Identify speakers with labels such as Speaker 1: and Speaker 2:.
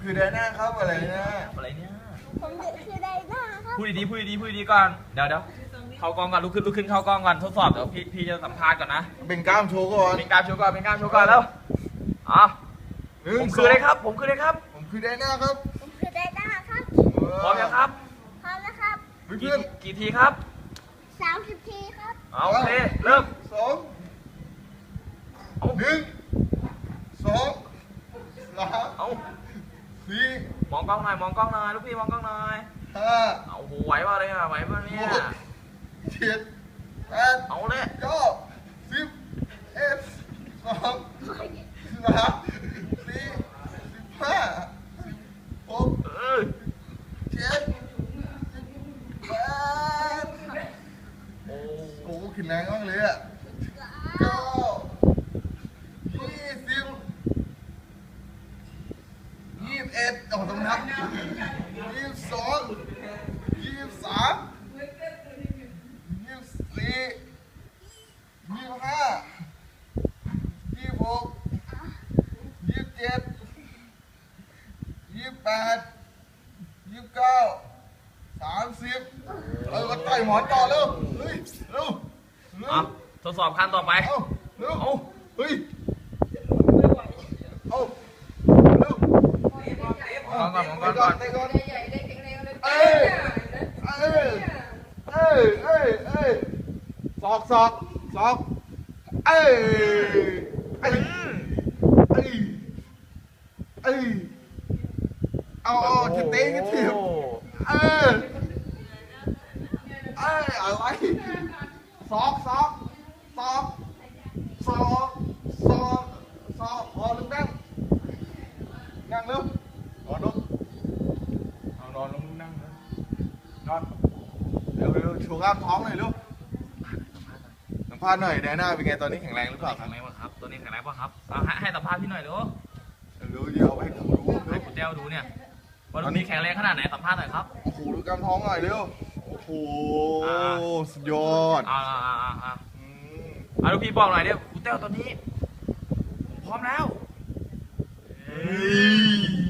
Speaker 1: คือไดน่าครับอะไรนะ
Speaker 2: อะไรเนี่ย
Speaker 3: ผมคือไดน่าครับ
Speaker 2: พูดดีๆก่อนเดี๋ยวเข้ากล้องก่อนลุกขึ้นเข้ากล้องก่อนทดสอบเดี๋ยวพี่จะสัมภาษณ์ก่อนนะ
Speaker 1: เป็นกล้ามโชว์ก่อน
Speaker 2: เป็นกล้ามโชว์ก่อนแล้วผมคืออะไรครับผมคือไดน่าครับ
Speaker 3: ผมคือไดน่าครับ
Speaker 2: พร้อมยังครับ
Speaker 3: พร้อมแล้วครับ
Speaker 2: กี่ทีครับ
Speaker 3: 30 ทีครับ
Speaker 2: โอเคเริ่ม
Speaker 1: 1 2 3 4
Speaker 2: มองกล้องหน่อยลูกพี่มองกล้องหน่อย
Speaker 1: 5
Speaker 2: โอ้โหไหวป่ะเลยไหวป่ะเนี่ย
Speaker 1: 7 8
Speaker 2: เอาเลย
Speaker 1: 9 10 11 12 13 14 15 16 17 18โอ้ขึ้นแรงมากเลยอ่ะ9 20 21ต้องนับ22 23 24 25 26 27 28 29 30ก็ต่อยหมอนต่อเร็วเฮ้ยเร็ว
Speaker 2: ทดสอบขั้นต่อไป
Speaker 1: เร็วเฮ้ยเร็ว
Speaker 2: มองก่อน
Speaker 1: ศอกเอาจะเตะกันทีอะไรศอกพอลุกนั่งเร็วนอนลงนั่งนอนเร็วโชว์กล้ามท้องหน่อยลูกสัมภาษณ์หน่อยแดน่าเป็นไงตอนนี้แข็งแรงหรือเปล่า
Speaker 2: แข็งแรงป่ะครับตัวนี้แข็งแรงป่ะครับให้สัมภาษณ์พี่หน่อยดู
Speaker 1: เดี๋ยวให้ผมดู
Speaker 2: ให้คุณเจ้าดูเนี่ยว่าตอนนี้แข็งแรงขนาดไหนสัมภาษณ์หน่อยครับ
Speaker 1: โอ้โหดูกล้ามท้องหน่อยเร็วโอ้โหสุดยอด
Speaker 2: ลูกพี่บอกหน่อยเนี่ยคุณเจ้าตอนนี้พร้อมแล้ว